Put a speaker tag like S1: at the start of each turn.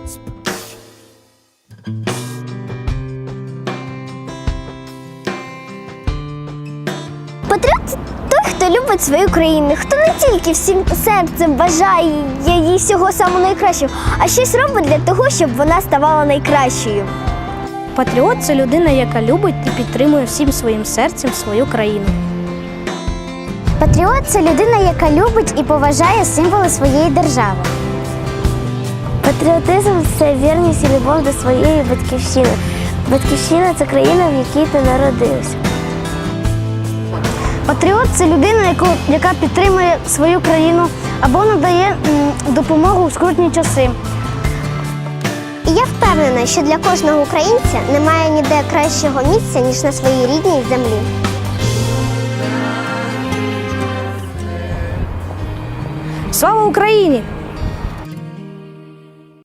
S1: Патріот – це той, хто любить свою країну, хто не тільки всім серцем бажає їй всього самого найкращого, а щось робить для того, щоб вона ставала найкращою.
S2: Патріот – це людина, яка любить і підтримує всім своїм серцем свою країну.
S1: Патріот – це людина, яка любить і поважає символи своєї держави. Патріотизм – це вірність і любов до своєї батьківщини. Батьківщина – це країна, в якій ти народився. Патріот – це людина, яка підтримує свою країну або надає допомогу у скрутні часи. І я впевнена, що для кожного українця немає ніде кращого місця, ніж на своїй рідній землі.
S2: Слава Україні!